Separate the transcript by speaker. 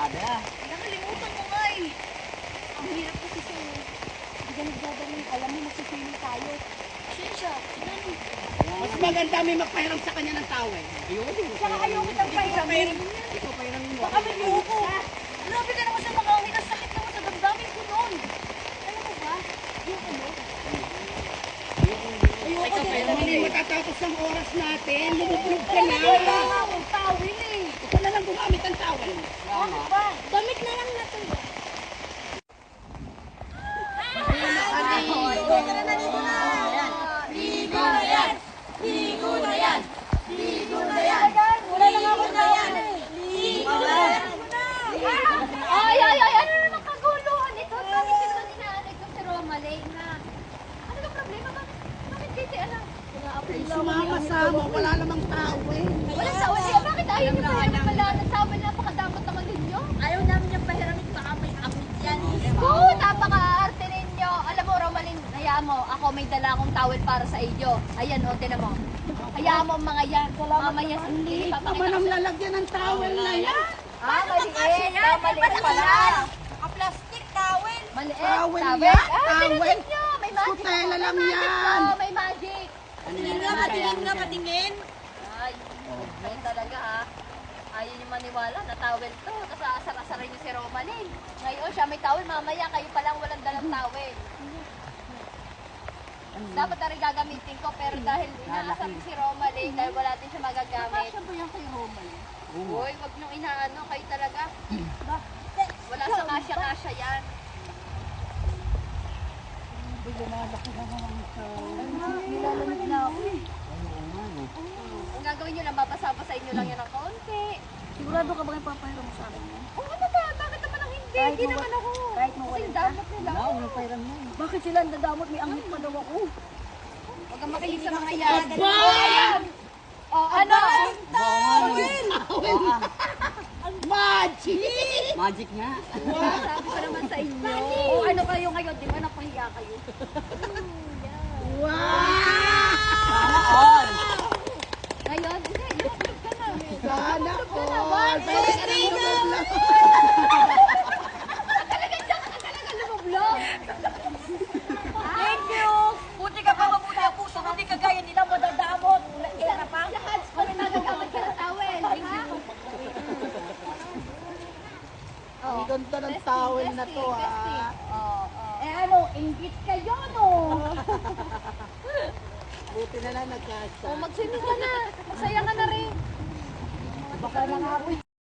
Speaker 1: barkada.
Speaker 2: Nakalimutan ko nga eh. Ang hirap kasi siya eh. Hindi ka nagdadaling. Alam mo, masisili tayo. Siya, sinano.
Speaker 3: Mas maganda may magpahiram sa kanya ng towel.
Speaker 2: Saka ayaw kitang pahiramin.
Speaker 3: Ikaw pahiramin mo.
Speaker 2: Baka may buko. Grabe ka naman sa mga uwi. Ang sakit naman sa damdamin ko noon. Alam mo ba? Yung ano?
Speaker 3: Ayoko din. Hindi matatapos ang oras natin. Lumubog ka na.
Speaker 2: Wala nga akong tawin eh.
Speaker 3: Ito na lang gumamit ang towel.
Speaker 2: Ano ba? Damit na lang natin.
Speaker 4: Ligo na yan! Ligo na yan! Ligo na yan!
Speaker 2: Wala na nga akong tawin eh.
Speaker 4: Ligo na yan!
Speaker 5: Ay, ano naman kaguluhan ito? Bakit ito dinaanan ko si Romalay na? Ano ba problema? Bakit kayo di alam?
Speaker 3: Sumama-sama. Wala namang towel.
Speaker 5: Walang tawal niya. Bakit ayaw niyo pa naman pala ng tawal? Napakadamot naman ninyo.
Speaker 4: Ayaw namin yung pahiramin, baka may apit yan.
Speaker 5: Oo, napaka-arte ninyo. Alam mo, Romalyn, hayaan mo. Ako may dala akong towel para sa iyo. Ayan, o, tinan mo. Hayaan mo ang mga yan. Mamaya sa
Speaker 3: Liit naman ang lalagyan ng towel na yan.
Speaker 5: maliit. Maliit pala.
Speaker 4: Naka-plastic towel.
Speaker 5: Maliit.
Speaker 3: Towel yan, towel.
Speaker 5: Pinunod nyo. May magic.
Speaker 3: Kutela lang
Speaker 5: May magic
Speaker 3: yan.
Speaker 5: to, may magic.
Speaker 4: Tingin nga, patingin nga, patingin.
Speaker 5: Ay, yun talaga ha. Ayaw niyo maniwala na towel to. Tapos aasar-asarin niyo si Romalyn. Ngayon siya may towel, mamaya kayo palang walang dalang towel. Dapat na rin gagamitin ko, pero dahil inaasar ko si Romalyn, dahil wala din siya magagamit.
Speaker 2: Saan ba yan kay Romalyn?
Speaker 5: Uy, wag niyong inaano, kayo talaga. Wala sa kasya-kasya yan.
Speaker 2: Nilalamig na ako eh.
Speaker 5: Ang gagawin niyo lang, babasa-basahin niyo lang yan ng kaunti.
Speaker 2: Sigurado ka ba kayo papahiram mo sa akin yan?
Speaker 5: Oo naman, bakit naman ang hindi?
Speaker 2: Kahit
Speaker 5: Hindi
Speaker 2: mo-
Speaker 5: naman ako.
Speaker 2: kahit mo
Speaker 5: Kasi
Speaker 2: walang
Speaker 5: damot nila.
Speaker 2: Bakit sila ang dadamot? May angit pa daw ako.
Speaker 5: Huwag kang makinig sa mga yan. Ayan! O, ano?
Speaker 3: Magic!
Speaker 1: Magic nga.
Speaker 5: Sabi ko naman sa inyo.
Speaker 2: O ano kayo ngayon? Di ba napahiya kayo?
Speaker 1: Sana all.
Speaker 5: Ngayon, hindi. Lumabog ka na.
Speaker 3: Sana ko!
Speaker 5: Talaga lumablog.
Speaker 4: Thank you! Buti ka pa mabuti ang puso, hindi ka gaya nila madadamot. Era pa.
Speaker 5: Kung nagagamit ka ng towel. Ha?
Speaker 3: Ang ganda ng towel na to ha.
Speaker 2: Eh ano, inggit kayo no?
Speaker 3: Buti na lang nagkasa.
Speaker 5: O, magswimming ka na. Masaya ka na rin.
Speaker 2: Baka na nga ako